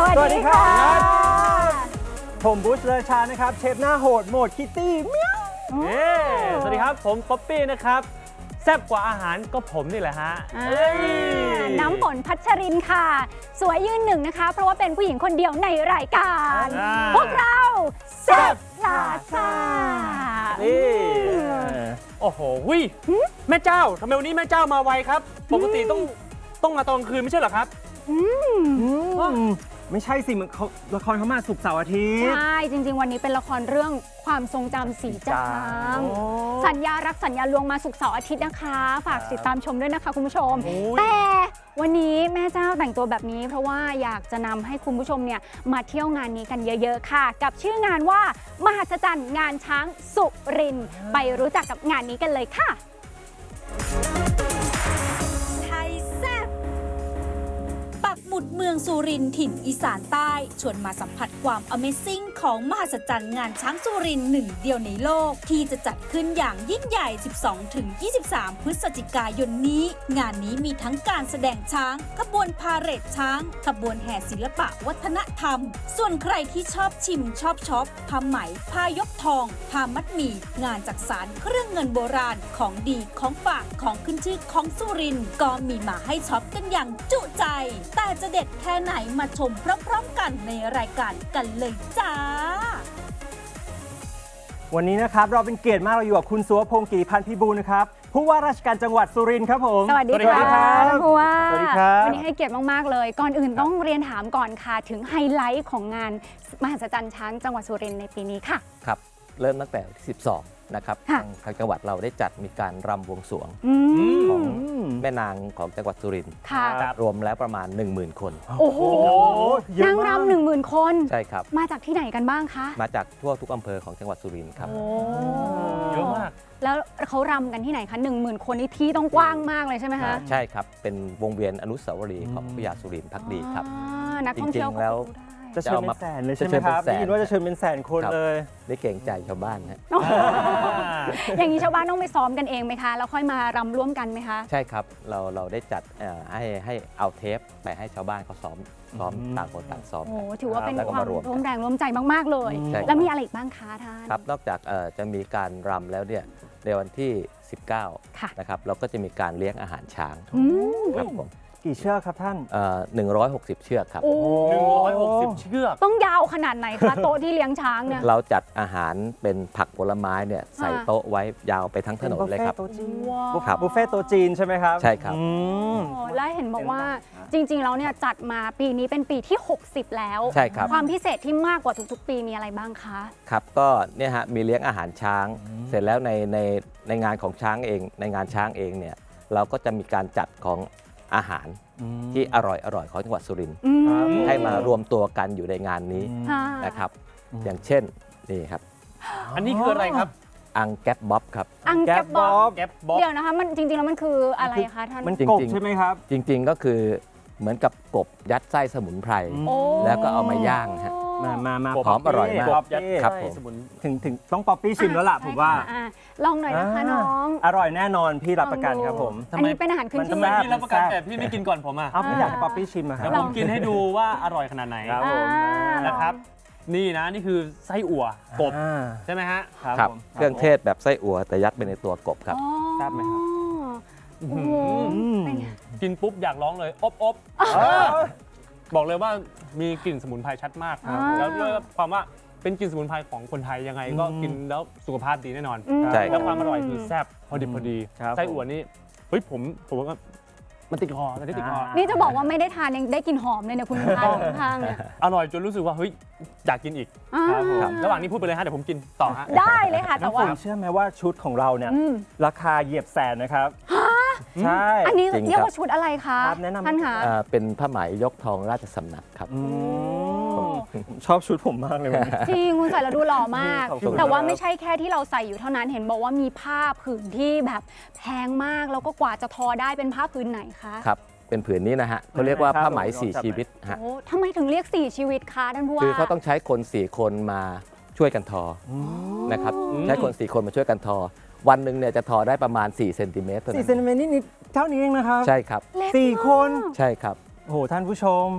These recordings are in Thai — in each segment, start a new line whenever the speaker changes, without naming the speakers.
วัสดีครับผมบูชเลอชานะครับเชฟหน้าโหดโหมดคิตตี้เมี้ยว
สวัสดีครับผมป๊อปปี้นะครับแซ่บกว่าอาหารก็ผมนี่แหละฮะ
น้ำฝนพัชรินค่ะสวยยืนหนึ่งนะคะเพราะว่าเป็นผู้หญิงคนเดียวในรายการพวกเราแซ่บพลาซ่า
โอ้โหแม่เจ้าทำไมวันนี้แม่เจ้ามาไวครับปกติต้องมาตอนกลางคืนไม่ใช่เหรอครับ
ไม่ใช่สิมันละครเขามาศุกร์เสาร์อาทิตย์
ใช่จริงๆวันนี้เป็นละครเรื่องความทรงจำสีจางสัญญารักสัญญาลวงมาศุกร์เสาร์อาทิตย์นะคะฝากติดตามชมด้วยนะคะคุณผู้ชมแต่วันนี้แม่เจ้าแต่งตัวแบบนี้เพราะว่าอยากจะนำให้คุณผู้ชมเนี่ยมาเที่ยวงานนี้กันเยอะๆค่ะกับชื่องานว่ามหัศจรรย์งานช้างสุรินทร์ไปรู้จักกับงานนี้กันเลยค่ะ
ปักหมุดเมืองสุรินทร์ถิ่นอีสานใต้ชวนมาสัมผัสความ Amazing ของมหัศจรรย์งานช้างสุรินทร์หนึ่งเดียวในโลกที่จะจัดขึ้นอย่างยิ่งใหญ่ 12-23 พฤศจิกายนนี้งานนี้มีทั้งการแสดงช้างขบวนพาเหรดช้างขบวนแห่ศิลปะวัฒนธรรมส่วนใครที่ชอบชิมชอบช็อปผ้าไหมผ้ายกทองผ้ามัดหมี่งานจักสานเครื่องเงินโบราณของดีของฝากของขึ้นชื่อของสุรินทร์ก็มีมาให้ช็อปกันอย่างจุใจแต่จะเด็ดแค่ไหนมาชมพร้อมๆกันในรายการกันเลยจ้า
วันนี้นะครับเราเป็นเกียรติมากเราอยู่กับคุณสุวพงศ์กิติพันธ์พิบูลนะครับผู้ว่าราชการจังหวัดสุรินทร์ครับผม
สวัสดีครับผู้ว่า
สวัสดีครับ
วันนี้ให้เกียรติมากๆเลยก่อนอื่นต้องเรียนถามก่อนค่ะถึงไฮไลท์ของงานมหัศจรรย์ช้างจังหวัดสุรินทร์ในปีนี้ค่ะ
ครับเริ่มตั้งแต่ที่12นะครับทางจังหวัดเราได้จัดมีการรำบวงสรวงของแม่นางของจังหวัดสุรินทร์รวมแล้วประมาณ 10,000 คน
โอ้โหนางรำ10,000 คน
ใช่ครับ
มาจากที่ไหนกันบ้างคะ
มาจากทั่วทุกอำเภอของจังหวัดสุรินทร์ครับ
เยอะมาก
แล้วเขารำกันที่ไหนคะ10,000 คนนี่ที่ต้องกว้างมากเลยใช่ไหมคะ
ใช่ครับเป็นวงเวียนอนุสาวรีย์ของพญาสุรินทร์ภักดีครับ
นักท่องเที่ยว
แล้ว
จะเชิญเป็นแสนเลยใช่ไหมครับได้ยินว่าจะเชิญเป็นแสนคนเลย
ได้เกรงใจชาวบ้านฮะ
อย่างนี้ชาวบ้านต้องไปซ้อมกันเองไหมคะแล้วค่อยมารำร่วมกันไหมคะ
ใช่ครับเราได้จัดให้เอาเทปไปให้ชาวบ้านเขาซ้อมต่างคนต่างซ้อม
โอ้ถือว่าเป็นความร่วมแรงร่วมใจมากๆเลยแล้วมีอะไรอีกบ้างคะท่าน
ครับนอกจากจะมีการรำแล้วเนี่ยในวันที่19นะครับเราก็จะมีการเลี้ยงอาหารช้างครับผม
กี่เชือกครับท่าน
160 เชือกครับ
160 เชือก
ต้องยาวขนาดไหนคะโต๊ะที่เลี้ยงช้างเนี่ย
เราจัดอาหารเป็นผักผลไม้เนี่ยใส่โต๊ะไว้ยาวไปทั้งถนนเลยครับ
บุฟเฟ่โต๊ะจีนใช่ไหมครับ
ใช่ครับ
และเห็นบอกว่าจริงๆแล้วเนี่ยจัดมาปีนี้เป็นปีที่60แล้ว
ใช่ครับ
ความพิเศษที่มากกว่าทุกๆปีมีอะไรบ้างคะ
ครับก็เนี่ยฮะมีเลี้ยงอาหารช้างเสร็จแล้วในงานของช้างเองในงานช้างเองเนี่ยเราก็จะมีการจัดของอาหารที่อร่อยของจังหวัดสุรินทร์ให้มารวมตัวกันอยู่ในงานนี้นะครับอย่างเช่นนี่ครับ
อันนี้คืออะไรครับ
อังแก๊บบ๊อบครับ
อังแก๊บบ๊อบเดี๋ยวนะคะมันจริงๆแล้วมันคืออะไรคะท่าน
มันกบใช่ไหมครับ
จริงๆก็คือเหมือนกับกบยัดไส้สมุนไพรแล้วก็เอามาย่างฮะ
มา
หอมอร่อยมากครับผม
ถึงต้องป๊อปปี้ชิมแล้วล่ะผมว่า
ลองหน่อยนะคะน้อง
อร่อยแน่นอนพี่รับประกันครับผม
อันนี้เป็นอาหารขึ้นชื่อ
พี่รับประกันแต่พี่ไม่กินก่อนผมอ่ะ
พี่อยากให้ป๊อปปี้ชิม
ครับผมกินให้ดูว่าอร่อยขนาดไหน
ครับผม
นะครับนี่นะนี่คือไส้อั่วกบใช่ไหมฮะ
ครับเครื่องเทศแบบไส้อั่วแต่ยัดไปในตัวกบครับ
ทราบไหมครับ
กินปุ๊บอยากร้องเลยอบบอกเลยว่ามีกลิ่นสมุนไพรชัดมากแล้วด้วยความว่าเป็นกลิ่นสมุนไพรของคนไทยยังไงก็กินแล้วสุขภาพดีแน่นอนแล้วความอร่อยคือแซ่บพอดิบพอดีไส้อั่วนี่เฮ้ยผมว่ามันติดคอมันติดคอ
นี่จะบอกว่าไม่ได้ทานยังได้กลิ่นหอมเลยเนี่ยคุณทานข้างเนี่ย
อร่อยจนรู้สึกว่าเฮ้ยอยากกินอีกระหว่างนี้พูดไปเลยฮะเดี๋ยวผมกินต่อฮะ
ได้เลยค่ะแต่ว่า
เชื่อไหมว่าชุดของเราเนี่ยราคาเหยียบแสนนะครับใช่
อันนี้เรียกว่าชุดอะไรคะท่านคะ
เป็นผ้าไหมยกทองราชสำนักครับ
ชอบชุดผมมากเลย
จริงคุณใส่แล้วดูหล่อมากแต่ว่าไม่ใช่แค่ที่เราใส่อยู่เท่านั้นเห็นบอกว่ามีผ้าผืนที่แบบแพงมากแล้วก็กว่าจะทอได้เป็นผ้าผืนไหนคะ
ครับเป็นผืนนี้นะฮะเขาเรียกว่าผ้าไหม4 ชีวิตฮะ
ทำไมถึงเรียก4 ชีวิตคะท่านผู้ว่า
คือเขาต้องใช้คน4 คนมาช่วยกันทอนะครับใช้คน4 คนมาช่วยกันทอวันหนึ่งเนี่ยจะทอได้ประมาณ4 เซนติเมตร
4 เซนติเมตรนิดเท่านี้เองนะครับ
ใช่ครับ
4 คน
ใช่ครับ
โอ้โหท่านผู้ชม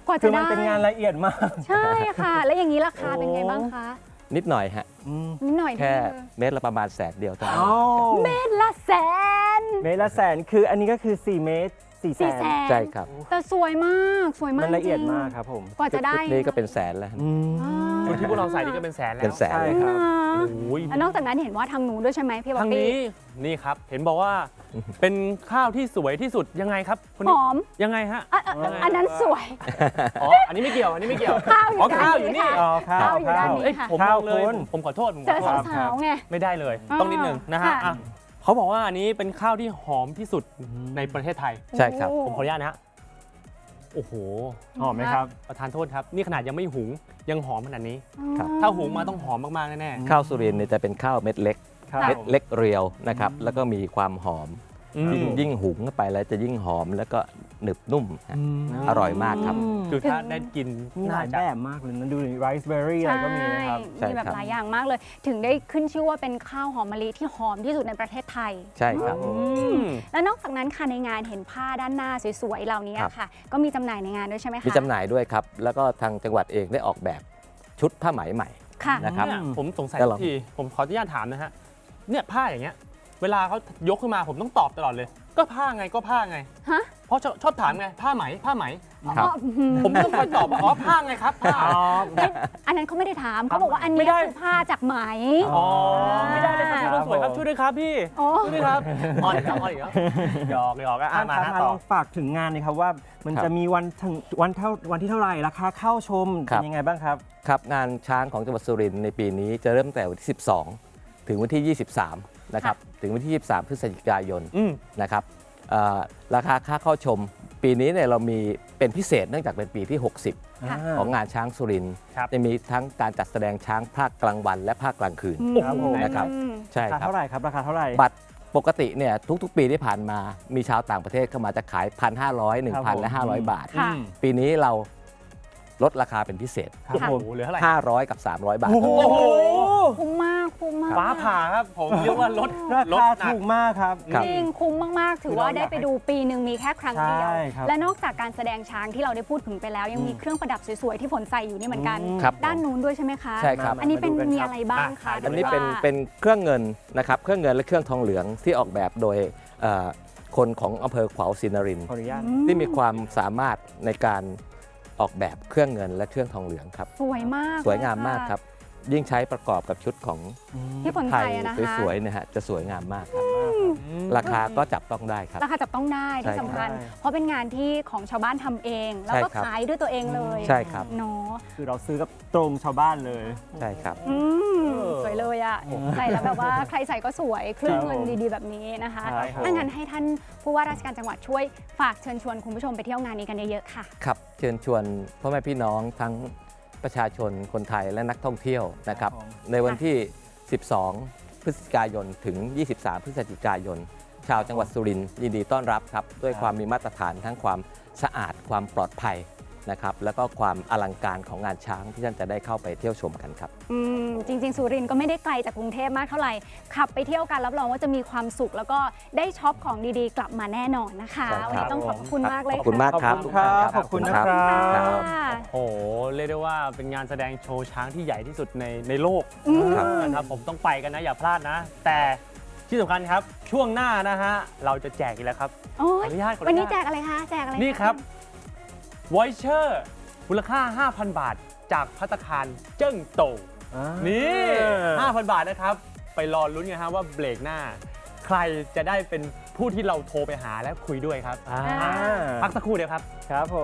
กว่า
คื
จะ
อมัน
ได้
เป็นงานละเอียดมาก
ใช่ค่ะ แล้วอย่างนี้ราคาเป็นไงบ้างคะ
นิดหน่อยฮะ
นิดหน่อย
แค่
เดียว
เม็ดละประมาณ100,000เดียวเท่านั้น
อ๋อ
เม็ดละแสน
เมตรละแสนคืออันนี้ก็คือ4 เมตร 4 แส
4
น
แสน
ใช่ครับ
แต่สวยมากสวยมาก
มันละเอียด
จริง
มากครับผม
กว่าจะได้
ชุนี้ก็เป็นแสนแล้ว
อืม
อ่า
ชุดที่พวกเราใส่นี่ก็เป็นแสนแล้ว
เป็นแสน
ใช่
เลย
ครับ
โอ้ย
แล้วนอกจากนั้นเห็นว่าทางนู้นด้วยใช่ไหมพี่บ๊อ
ทา
บ
ง
บี้
นี้นี่ครับ เห็นบอกว่าเป็นข้าวที่สวยที่สุดยังไงครับคน
ห
นี้
อม
ยังไงฮะ
อันนั้นสวย
อ๋ออันนี้ไม่เกี่ยวอันนี้ไม่เกี่ยว
ข้าวอยู่
อ๋อ
ด้าน
ข้าวอยู่
นี้
นี่
ค่ะ
อ๋อข้าว
ข้าวอยู่ด้านนี้
เอ้ย
ค่ะ
ผม
ข้าว
เลย
คุณ
ผมขอโทษผม
เจ
ข
อ
อโทษ
สาวๆไง
ไม่ได้เลย
อ่า
ต้องนิดนึงนะฮะ
ค่ะ
อ่ะเขาบอกว่าอันนี้เป็นข้าวที่หอมที่สุดในประเทศไทย
ใช่ครับ
ผมขออนุญาตนะฮะโอ้โห
หอมไหมครับ
ประธานโทษครับ นี่ขนาดยังไม่หุงยังหอมขนาดนี้
ครับ
ถ้าหุงมาต้องหอมมากๆแน่
ข้าวสุรินทร์เนี่ยจะเป็นข้าวเม็ดเล็ก
ครับ
เม็ดเล็กเรียวนะครับ แล้วก็มีความหอม
ๆอืม
ยิ่งหุงเข้าไปแล้วจะยิ่งหอมแล้วก็หนึบนุ่มฮะ อร่อยมากครับ
คือถ้าได้กิน
มีห
น่า
ลาย
จะ
แบบมากเลยนะดูไรซ์เบอร์รี่อะไรก็มีนะครับ
ใช่
มีแบบ
ครับ
หลายอย่างมากเลย ถึงได้ขึ้นชื่อว่าเป็นข้าวหอมมะลิที่หอมที่สุดในประเทศไทย
ใช่ครับ
แล้วนอกจากนั้นค่ะในงานเห็นผ้าด้านหน้าสวยๆเหล่านี้
ครับ
ค่ะ ก็มีจำหน่ายในงานด้วยใช่ไหมคะ
มีจำหน่ายด้วยครับ แล้วก็ทางจังหวัดเองได้ออกแบบชุดผ้าไหมใหม่
ค่ะ
นะครับ
เนี่ยผมสงสัย
แล้วเหรอ
ทีผมขออนุญาตถามนะฮะเนี่ยผ้าอย่างเงี้ยเวลาเขายกขึ้นมาผมต้องตอบตลอดเลย ก็ผ้าไงก็ผ้าไง
ฮะ
เพราะชอบถามไงผ้าไหมผ้าไหม
ครับ
อ๋ออืม
ผมต้องคอยตอบว่าอ๋อผ้าไงครับผ้า
อันนั้นเขาไม่ได้ถามเขาบอกว่าอัน
ไม่
นี้
ได้
คือผ้าจากไหม
อ๋อไม่ได้เลยครับพี่คนสวยครับช่วยด้วยครับพี่
โอ้
ช่วยด้วยครับอ่อนอีกแล้วอ่อนอีกแล้วหยอกหยอกอ่ะ
ท่าน
มา
ครับ
ฮะ
มา
ต่
ล
อ
องฝากถึงงานเลยครับว่ามัน
ครับ
จะมีวันที่เท่าไหร่ราคาเข้าชม
ครั
เป็
บ
นยังไงบ้างครับ
ครับงานช้างของจังหวัดสุรินทร์ในปีนี้จะเริ่มตั้งแต่วันที่ 12 ถึงวันที่ 23 นะครับ ถึงวันที่ 23 พฤศจิกายน
อืม
นะครับราคาค่าเข้าชม ปีนี้เนี่ยเรามีเป็นพิเศษเนื่องจากเป็นปีที่
ค่ะ
60 ของงานช้างสุรินทร์
ครับ
จะมีทั้งการจัดแสดงช้างภาคกลางวันและภาคกลางคืน
ครับผม
นะครับ
อืม
ใช่
ราคา
ครับ
เท่าไหร่ครับราคาเท่าไหร่
บัตรปกติเนี่ยทุกๆ ปีที่ผ่านมามีชาวต่างประเทศเข้ามาจะขาย 1,500 1,000 และ 500 บาท
ค่ะ
ปีนี้เราลดราคาเป็นพิเศษ
ครับ
โอ้
ผม
โหเหลือเท่าไหร่
500 กับ 300 บาท
โอ้โห
คุ้มมากคุ้มมาก
ฟ้าผ่าครับผมเรียกว่าลด
รา
ลด
คา
หนัก
ถูกมากครับ
ครับ
จริงคุ้มมาก ๆ ถือว่าได้ไปดูปีหนึ่งมีแค่ครั้งเดียว
ใช่ครับ
และนอกจากการแสดงช้างที่เราได้พูดถึงไปแล้ว ยังมีเครื่องประดับสวย ๆ ที่ฝนใส่อยู่นี่เหมือนกัน
ครับ
ด้านนู้นด้วยใช่ไหมคะ
ใช่ครับ
อันนี้เป็น
มาดูกันครับ
มีอะไรบ้างคะ
อ่ะ
อันนี้
หรื
เป็น
ว่า
เป็นเครื่องเงินนะครับเครื่องเงินและเครื่องทองเหลืองที่ออกแบบโดยคนของอำเภอขวาวศรีนรินทร์
ขออนุญาต
ที่มีความสามารถในการออกแบบเครื่องเงินและเครื่องทองเหลืองครับ
สวยมาก
สวยงาม
เลยะ
มากครับ ยิ่งใช้ประกอบกับชุดของ
ที่ฝน
ไท
ใส่
ย
อะนะคะ
สวยๆเนะฮะจะสวยงามมากครับ ราคาก็จับต้องได้ครับ
ราคาจับต้องได้ที่สำคัญ
ใช่
เพราะเป็นงานที่ของชาวบ้านทำเอง แล้วก็
ใช่ครับ
ขายด้วยตัวเองเลย
ใช่ครับ
เนาะ
คือเราซื้อกับตรงชาวบ้านเลย
ใช่ครับ
อืมสวยเลยอะใส่แล้วแบบว่าใครใส่ก็สวยคลื่นเงินดีๆแบบนี้นะคะ
ใช่ครับ
ถ้างั้นให้ท่านผู้ว่าราชการจังหวัดช่วยฝากเชิญชวนคุณผู้ชมไปเที่ยวงานนี้กันเยอะๆค่ะ
ครับเชิญชวนพ่อแม่พี่น้องทั้งประชาชนคนไทยและนักท่องเที่ยวนะครับ
ครับผม
ในวันที่ 12 พฤศจิกายนถึง 23 พฤศจิกายน ชาวจังหวัดสุรินทร์ยินดีต้อนรับครับ ด้วยความมีมาตรฐานทั้งความสะอาดความปลอดภัยนะครับ แล้วก็ความอลังการของงานช้างที่ท่านจะได้เข้าไปเที่ยวชมกันครับ
จริง ๆ สุรินทร์ก็ไม่ได้ไกลจากกรุงเทพมากเท่าไหร่ ขับไปเที่ยวกันรับรองว่าจะมีความสุข แล้วก็ได้ช็อปของดีๆ กลับมาแน่นอนนะคะ
ใช่ครับ
วันนี้ต้องขอบคุณมากเลย
ขอบคุณมากครับ
ขอบคุณครับขอบคุณนะครับ
ครับ
ค่ะ
โอ้โหเรียกได้ว่าเป็นงานแสดงโชว์ช้างที่ใหญ่ที่สุดในโลก
ครับ
นะครับผมต้องไปกันนะอย่าพลาดนะ แต่ที่สำคัญครับช่วงหน้านะฮะเราจะแจกอีกแล้วครับ
โอ้ย
ขออนุญาต
วันนี้แจกอะไรคะ แจกอะไระ
นี่ครับวอยเชอร์มูลค่า 5,000 บาทจากภัตตาคารเจิ้งโต นี่ 5,000 บาทนะครับ ไปรอลุ้นกันฮะว่าเบรกหน้า ใครจะได้เป็นผู้ที่เราโทรไปหาและคุยด้วยครับ พักสักครู่เดียวครับ
ครับผม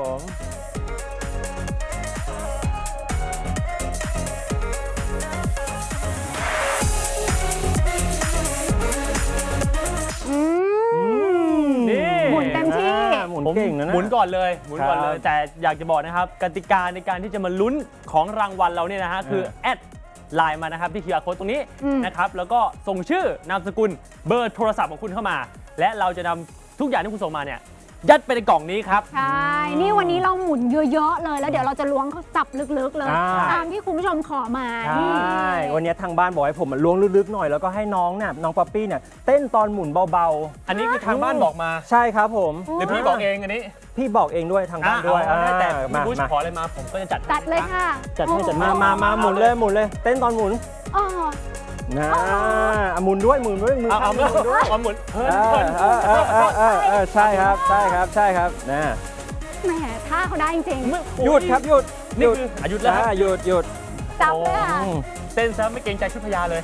อืม
นี่
หมุนเต็มที่
หมุนเก่งนะ
หมุนก่อนเลยหมุนก่อนเลย
ครับ
แต่อยากจะบอกนะครับ กติกาในการที่จะมาลุ้นของรางวัลเราเนี่ยนะฮะคือแอดไลน์มานะครับที่ QR Code ตรงนี้
อืม
นะครับแล้วก็ส่งชื่อนามสกุลเบอร์โทรศัพท์ของคุณเข้ามา และเราจะนำทุกอย่างที่คุณส่งมาเนี่ยยัดไปในกล่องนี้ครับ
ใช่ นี่วันนี้เราหมุนเยอะๆเลย แล้วเดี๋ยวเราจะล้วงเขาจับลึกๆเลย
อ่า
ตามที่คุณผู้ชมขอมา
ใช่
นี่
ววันนี้ทางบ้านบอกให้ผมล้วงลึกๆหน่อยแล้วก็ให้น้องเนี่ยน้องป๊อปปี้เนี่ยเต้นตอนหมุนเบา
อันนี้คือทางบ้านบอกมา
ๆ ใช่ครับผม
หรือพี่บอกเองอันนี้
พี่บอกเองด้วยทางบ้านด้วย
เอาได้แต่
มา
พี่บุช
มา
ขออะไรมาผมก็จะจัด
จัดเลยค่ะ
จัดให้จัดมาหมุนเลยเต้นตอนหมุน
อ๋อ
นะหมุนด้วยมือ
เอา
ข้าง
ไม่
หมุนด้วย
เอาหมุนเพิ่น
ใช่ครับนะ
แหมท่าเขาได้จริง
หยุดครับหยุด
นี่คือหยุดแล้วครับ
หยุด
ๆจับเลยค่ะ
เต้นซะไม่เกรงใจชุดพญาเลย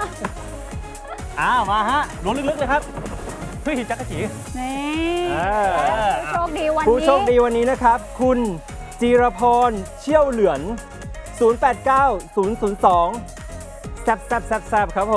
มาฮะล้วงลึกๆเลยครับเพื่อหิจักรจี
นี่
อ่า
ผู้โชคดีวัน
ผู้
นี้
โชคดีวันนี้นะครับ คุณจีรพรเชี่ยวเหลือน 089002 แซบครับผม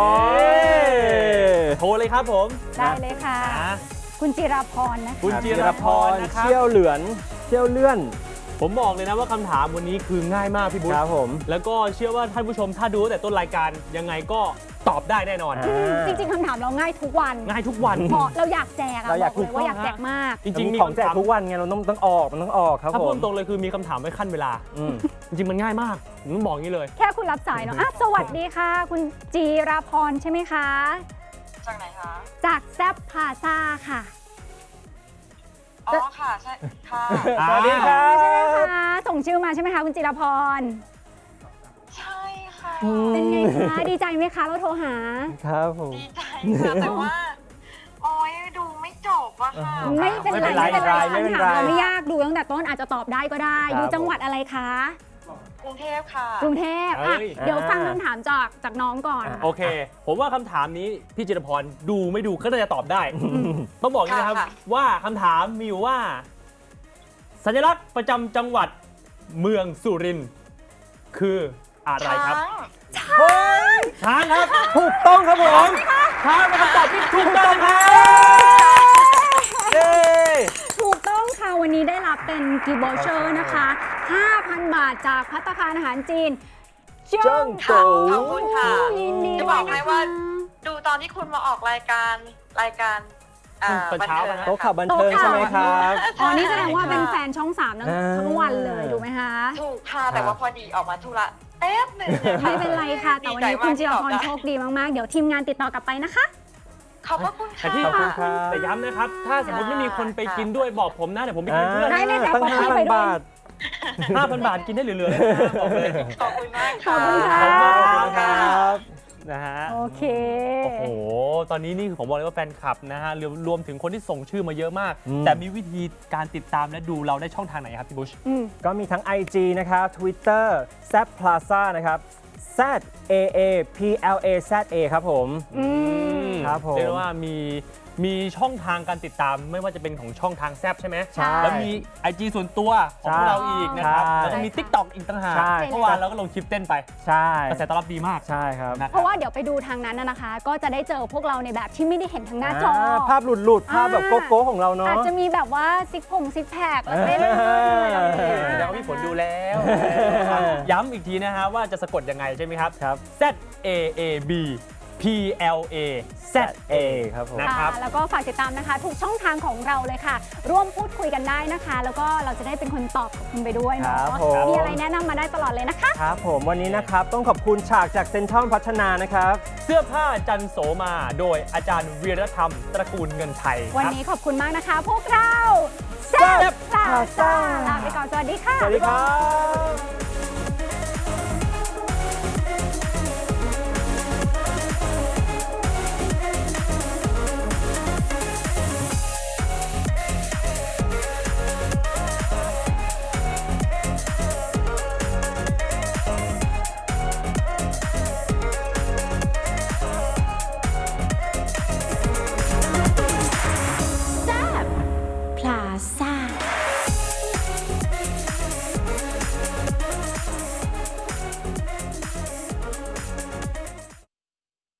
โทรเลยครับผม
ได้เลยค่ะ คุณจิราพรนะคะ
คุณจิรพรนะครับ
เชี่ยวเหลือนเชี่ยวเลื่อน
ผมบอกเลยนะว่าคำถามวันนี้คือง่ายมากพี่บุ๊
ครับผม
แล้วก็เชื่อว่าท่านผู้ชมถ้าดูตั้งแต่ต้นรายการยังไงก็ตอบได้แน่นอน
จริงๆคำถามเราง่ายทุกวัน
ง่ายทุกวัน
เพราะเราอยากแจกอะ
เราอยาก
บอกเลยว่าอยากแจกมาก
จริงๆมี
ของแจก
คำถาม
ทุกวันไงเราต้องออกมันต้องออกครับ
ถ้า
ผ
พู
ม
ดตรงเลยคือมีคำถามไว้ขั้นเวลา
อืม
จริงๆมันง่ายมากผมต้องบอกอย่างนี้เลย
แค่คุณรับสายเนาะสวัสดีค่ะ คุณจีราพรใช่ไหมคะ
จากไหนคะ
จากแซบพาซาค่ะ
อ๋อค่ะ ใช่ ค่ะ
สวัสดีครับ
ใช่ไหมคะส่งชื่อมาใช่ไหมคะคุณจิราพร
ใช่ค่ะ
เป็นไงคะดีใจไหมคะเราโทรหา
ครับผม
ดีใจค่ะ แต่ว่า โอ้ยดูไม่จบอะค่ะ
ไม่เป็นไร
ไม่เป็นไร
คำถามเราไม่ยากดูตั้งแต่ต้นอาจจะตอบได้ก็ได้ อยู่จังหวัดอะไรคะ
กรุงเทพค่ะ
กรุงเทพอ่ะ
เอ้ย
เดี๋ยวฟังคำถามจากน้องก่อน
โอเค ผมว่าคำถามนี้พี่จิรพรดูไม่ดูก็น่าจะตอบได้ ต้องบอกอย่างนี้นะครับ
ค่ะ
ว่าคำถามมีอยู่ว่า สัญลักษณ์ประจำจังหวัดเมืองสุรินทร์คืออะไรครับ
ช้าง
ช้างครับ
ถูกต้องครับผม
ช้างเป็นคำตอบที่ถูกต้องครับเย้
ถูกต้องค่ะ วันนี้ได้รับเป็นกิฟต์วอเชอร์นะคะ 5,000 บาทจากภัตตาคารอาหารจีน
เจิ้งโต
ขอบคุณค่ะ
ยินดี
จะ
ด้
บ
วย
อก
นะ
ให้
คะ
ว่า ดูตอนที่คุณมาออกรายการ
ตอนเช้า
บัน
นะ
เทิง
โต๊ะข่าวบันเทิงใช่ไหมครับ
อ๋อ นี่แสดงว่าเป็นแฟนช่อง 3
อ่า
ทั้งวันเลยถูกไหมคะ
ถูกค่ะ แต่ว่าพอดีออกมาธุระแป๊บหนึ่งอะค่ะ
ไม่เป็นไรค่ะ แต่วันนี้คุณจิรพรโชคดีมากๆ เดี๋ยวทีมงานติดต่อกลับไปนะคะ
ขอบพระคุณ
แต่
ค่ะ
ที่
ขอบคุณครับ
แต่ย้ำนะครับ ถ้าสมมติไม่มีคนไปกินด้วยบอกผมนะเดี๋ยวผมไปกินเพื่อน
ได้เลยค่ะ
ตั้ง
ขอให้ไป
5,000
ด้วย
บาท
5,000 บาทกินได้เหลือๆเลยนะบอกเลย
ขอบคุณมาก
ขอบคุณค่ะ
ขอบคุณ
ขอบคุณครับ
นะฮะ
โอเค
โอ้โห ตอนนี้นี่คือผมบอกเลยว่าแฟนคลับนะฮะรวมถึงคนที่ส่งชื่อมาเยอะมาก
อืม
แต่มีวิธีการติดตามและดูเราได้ช่องทางไหนครับพี่บุช
ก็มีทั้ง IG นะครับ Twitter z Plaza นะครับ Z A A P L A Z A ครับผม ครับผม
เรียกได้ว่ามีช่องทางการติดตามไม่ว่าจะเป็นของช่องทางแซบใช่ไหม
ใช่
แล้วมี IG ส่วนตัวของ
ใช่
เราอีกนะครับ
ใช่
แล้วก็มี TikTok อีกต่างหาก
ใช่
เมื่อวานเราก็ลงคลิปเต้นไป
ใช่
กระแสตอบรับดีมาก
ใช่ครับ
นะค
เพ
รับ
ราะว่าเดี๋ยวไปดูทางนั้นนะคะ ก็จะได้เจอพวกเราในแบบที่ไม่ได้เห็นทางหน้าจอ
ภาพหลุดๆ ภาพแบบโก้ๆของเราเนาะ
อาจจะมีแบบว่าซิกแพคแล้วเต้นอะไรแบบนี้
แล้วก็มีผลดูแล้ว ย้ำอีกทีนะฮะว่าจะสะกดยังไงใช่ไหมครับ
ครับ
Z A A B P L A Z A
ครับผม
นะครับ
แล้วก็ฝากติดตามนะคะ ทุกช่องทางของเราเลยค่ะ ร่วมพูดคุยกันได้นะคะ แล้วก็เราจะได้เป็นคนตอบกับคุณไปด้วยเนาะ
ครับผม
มีอะไรแนะนำมาได้ตลอดเลยนะคะ
ครับผมวันนี้นะครับต้องขอบคุณฉากจากเซ็นทรัลพัฒนานะครับ
เสื้อผ้าจันโสมาโดยอาจารย์วีรธรรมตระกูลเงินไทย
วัน
ครับ
นี้ขอบคุณมากนะคะ พวกเราแซ่บพลาซ่าลาไปก่อน สวัสดีค่ะ
สวัสดีครับ